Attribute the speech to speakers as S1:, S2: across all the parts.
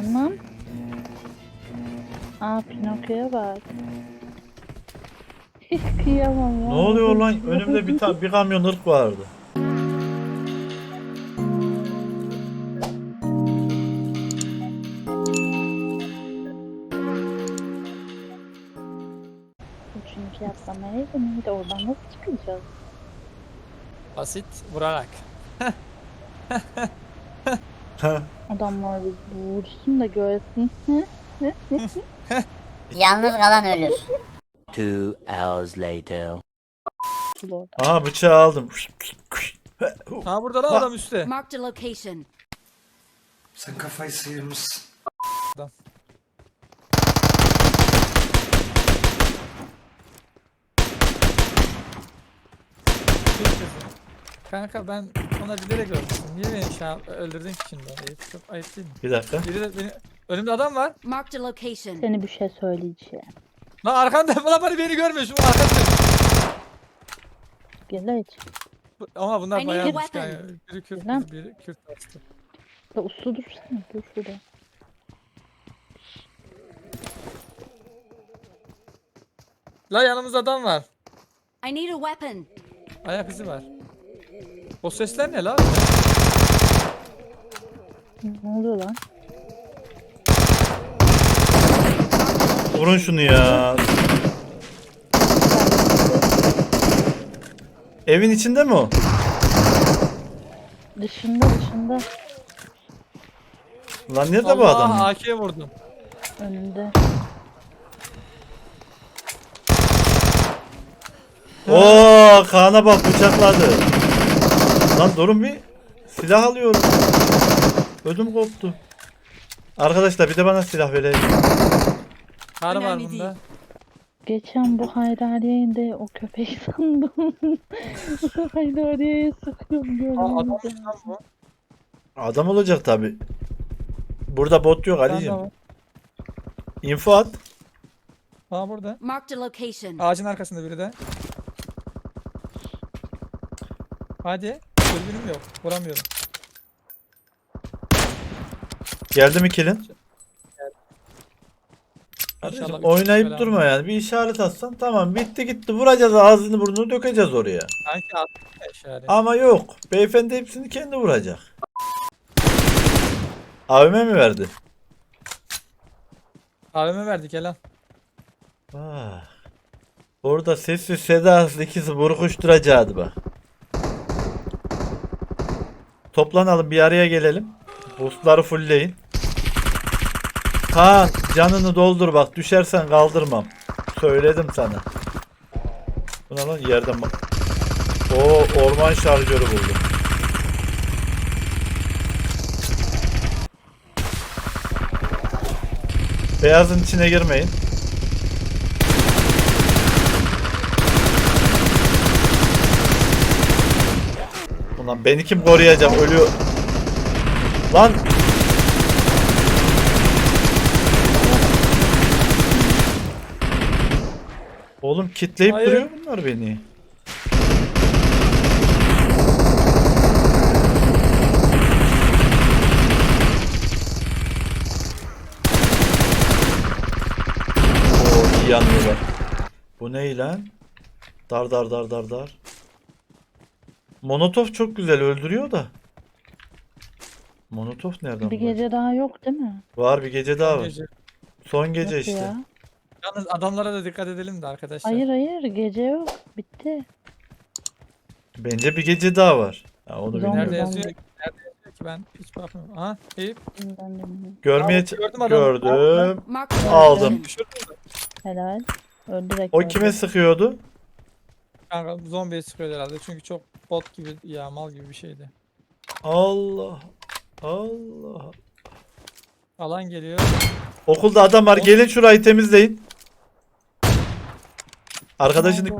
S1: Lan. Aa, Pinokyo'ya bak. Hiç kıyamam ya.
S2: Ne oluyor lan? Önümde bir kamyon ırk vardı.
S1: Çünkü yapsamaya de oradan nasıl çıkacağız?
S3: Basit vurarak.
S1: Adamlar bir vursun da görsün.
S4: Yalnız kalan ölür.
S5: 2 hours later.
S1: Orada.
S2: Aha bıçağı aldım.
S3: Ha burada lan adam üstte.
S4: Marked a location.
S6: Sen kafayı sıyırmışsın.
S3: Kanka ben ona bilerek öldürdüm. Niye beni şu an öldürdün ki şimdi? Çok ayıp değil mi?
S2: Bir dakika.
S3: Biri de beni... Önümde adam var.
S4: Marked a location.
S1: Seni bir şey söyleyeceğim.
S3: Lan arkanda falan beni görmüyor şu arkanda.
S1: Gel hiç.
S3: Ama bunlar
S4: I need a
S3: bayağı
S4: weapon.
S3: yani. Biri Kürt,
S1: Lan.
S3: biri Kürt bastı.
S1: Da uslu dursana. Dur şurada.
S3: La yanımızda adam var.
S4: I need a weapon.
S3: Ayak izi var. O sesler ne la?
S1: Ne oluyor lan?
S2: Vurun şunu ya. Evin içinde mi o?
S1: Dışında.
S2: Lan nerede bu
S3: Allah
S2: adam?
S3: AK'ye vurdum.
S1: Önünde.
S2: Oo, Kaan'a bak bıçakladı. Lan durun bir. Silah alıyorum. Ödüm koptu. Arkadaşlar bir de bana silah verin.
S3: Kar var
S4: Önemli
S3: bunda.
S1: Geçen bu Haydariye'yi de o köpek sandım. Haydariye'ye sıkıyorum
S3: Aa, adam
S1: görünce.
S3: lan bu.
S2: Adam olacak tabi. Burada bot yok
S3: Adam
S2: Ali'cim.
S3: var.
S2: Info at.
S3: Aa burada.
S4: Marked a location.
S3: Ağacın arkasında biri de. Hadi. Dürbünüm yok. Vuramıyorum.
S2: Geldi mi kilin? Kardeşim,
S3: İnşallah
S2: oynayıp
S3: üç
S2: durma yani. Bir işaret atsan tamam bitti gitti. Vuracağız ağzını burnunu dökeceğiz oraya.
S3: Sanki attım ya işaret.
S2: Ama yok. Beyefendi hepsini kendi vuracak. Abime mi verdi?
S3: AVM verdik Elan.
S2: Ah. Orada sessiz sedasız ikisi burkuşturacaktı bak. Toplanalım bir araya gelelim. Boostları fullleyin. Kaan canını doldur bak düşersen kaldırmam. Söyledim sana. Bu ne lan yerden bak. Oo orman şarjörü buldum. Beyazın içine girmeyin. Ulan beni kim koruyacak ölüyor. Lan. Oğlum kitleyip
S3: Hayır.
S2: duruyor bunlar beni. Oo iyi yanıyorlar. Bu ne lan? Dar. Monotov çok güzel öldürüyor da. Monotov nereden
S1: Bir
S2: var?
S1: gece daha yok değil mi?
S2: Var bir gece daha var.
S3: Gece.
S2: Son gece
S1: Nasıl
S2: işte.
S1: ya?
S3: Yalnız adamlara da dikkat edelim de arkadaşlar.
S1: Hayır gece yok. Bitti.
S2: Bence bir gece daha var. Ha, onu
S1: Zombi.
S2: bilmiyorum.
S3: Nerede yazıyor?
S1: Zombi.
S3: Nerede yazıyor ki ben hiç bakmıyorum. Aha Eyüp.
S1: Ben de bilmiyorum.
S2: Görmeye
S3: Aa, gördüm adamı.
S2: gördüm.
S4: Marked a
S2: Aldım.
S4: location.
S3: Düşürdün mü?
S1: Helal. Öldürek.
S2: O kime sıkıyordu?
S3: Kanka zombiye sıkıyor herhalde çünkü çok bot gibi ya mal gibi bir şeydi.
S2: Allah.
S3: Alan geliyor.
S2: Okulda adam var. Gelin şurayı temizleyin. Arkadaşını...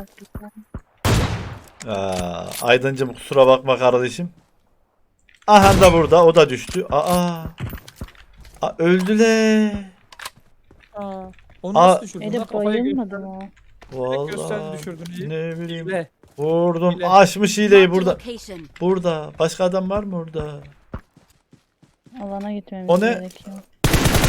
S2: Aydıncım kusura bakma kardeşim. Aha da burada. O da düştü. Öldüler.
S3: Aa, onu
S2: Aa.
S3: nasıl düşürdün lan?
S1: Elif
S3: Kafayı
S1: bayılmadı mı o?
S3: gösterdi
S2: Vallahi
S3: düşürdün iyi.
S2: ne bileyim.
S3: Hile.
S2: Vurdum.
S3: Hile.
S2: Açmış hileyi
S4: Marked a
S2: burada.
S4: location.
S2: Burada. Başka adam var mı burada?
S1: Alana gitmemiz
S2: O ne?
S1: gerekiyor.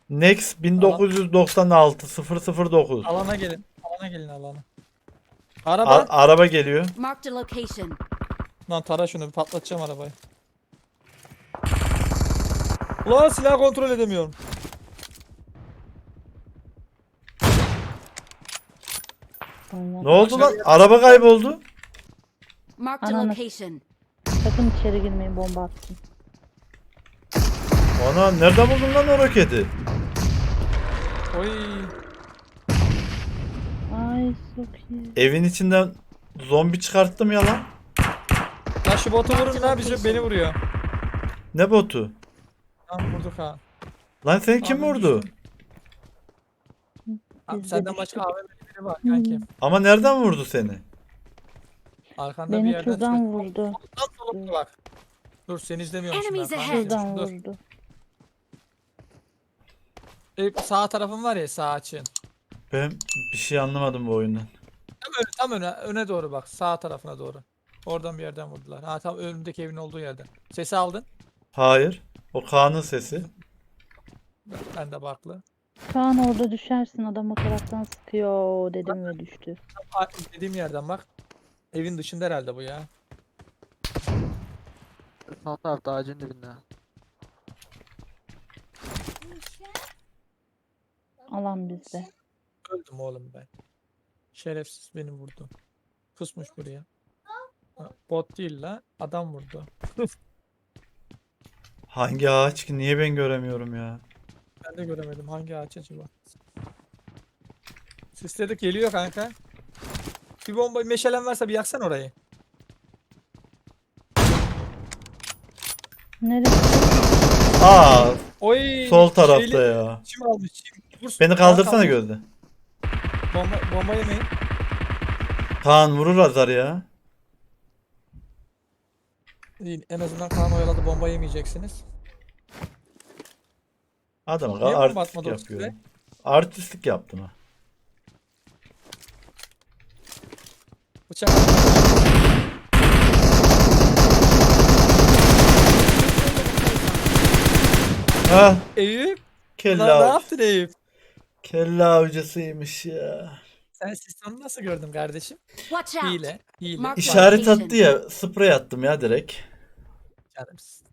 S2: Next 1996 009.
S3: Alana gelin. Alana gelin alana. Araba.
S2: Araba geliyor.
S4: Marked a location.
S3: Lan tara şunu bir patlatacağım arabayı. Ulan silah kontrol edemiyorum.
S2: Ne oldu lan? Araba kayboldu.
S4: Marked a
S1: Ananı.
S4: location.
S1: Sakın içeri girmeyin, bomba atsın.
S2: Ana nereden buldun lan o roketi?
S3: Oy.
S1: Ay çok iyi.
S2: Evin içinden zombi çıkarttım ya lan.
S3: Lan şu botu vurun lan beni vuruyor.
S2: Ne botu?
S3: Tamam vurduk ha.
S2: Lan seni kim
S3: Abi
S2: vurdu?
S3: düştüm. Abi
S1: Biz de
S3: senden
S1: düştük.
S3: başka AVM'li biri var kanki.
S2: Ama nereden vurdu seni?
S3: Arkanda bir
S1: Beni
S3: yerden
S1: şuradan
S3: çıkıyor.
S1: vurdu.
S3: Lan solumda bak. Dur seni izlemiyorum şimdi.
S4: Enemies
S3: ben.
S4: ahead.
S3: Kanki,
S1: Şuradan
S3: dur.
S1: vurdu.
S3: Sağ tarafın var ya sağ açığın.
S2: Ben bir şey anlamadım bu oyundan.
S3: Tam öne doğru bak. Sağ tarafına doğru. Oradan bir yerden vurdular. Ha tam önümdeki evin olduğu yerden. Sesi aldın.
S2: Hayır. O Kaan'ın sesi.
S3: Ben de baklı.
S1: Kaan orada düşersin, adam o taraftan sıkıyor dedim ve düştü.
S3: Tam dediğim yerden bak. Evin dışında herhalde bu ya.
S7: Alt tarafta ağacın dibinde.
S1: Alan bizde.
S3: Öldüm oğlum ben. Şerefsiz beni vurdu. Kusmuş buraya. Ha, bot değil la. Adam vurdu.
S2: Hangi ağaç ki? Niye ben göremiyorum ya?
S3: Ben de göremedim. Hangi ağaç acaba? Sisledik geliyor kanka. Bir bomba meşalen varsa bir yaksan orayı.
S1: Neresi?
S2: Aa,
S3: Oy.
S2: sol tarafta
S3: şeyli-
S2: ya.
S3: Çim almış. Çim. Vur,
S2: Beni
S3: Kaan
S2: kaldırsana
S3: kaldır.
S2: gözde.
S3: Bomba yemeyin.
S2: Kaan vurur azar ya.
S3: İyi, en azından Kaan oyaladı, bomba yemeyeceksiniz.
S2: Adam
S3: Niye bomba
S2: artistlik
S3: atmadı o
S2: yapıyor.
S3: size?
S2: Artistlik yaptım ha.
S3: Bıçak.
S2: Ha,
S3: Eyüp.
S2: kelle
S3: Lan ne
S2: avcı.
S3: yaptın Eyüp?
S2: Kelle avcısıymış ya.
S3: Sen sistemi nasıl gördün kardeşim?
S4: Watch out.
S3: Hile. Hile.
S4: Mark-
S2: İşaret
S4: Location.
S2: attı ya, sprey attım ya direkt.
S3: Canımsın.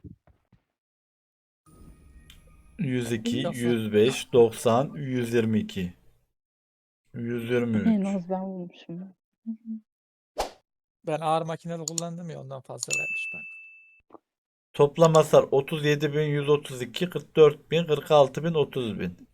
S2: 102,
S3: Lafı.
S2: 105, 90, 122.
S1: En
S2: 123.
S1: az ben vurmuşum.
S3: Ben ağır makineli kullandım ya ondan fazla vermiş ben.
S2: Toplam hasar 37.132, 44.000, 46.000, 30.000.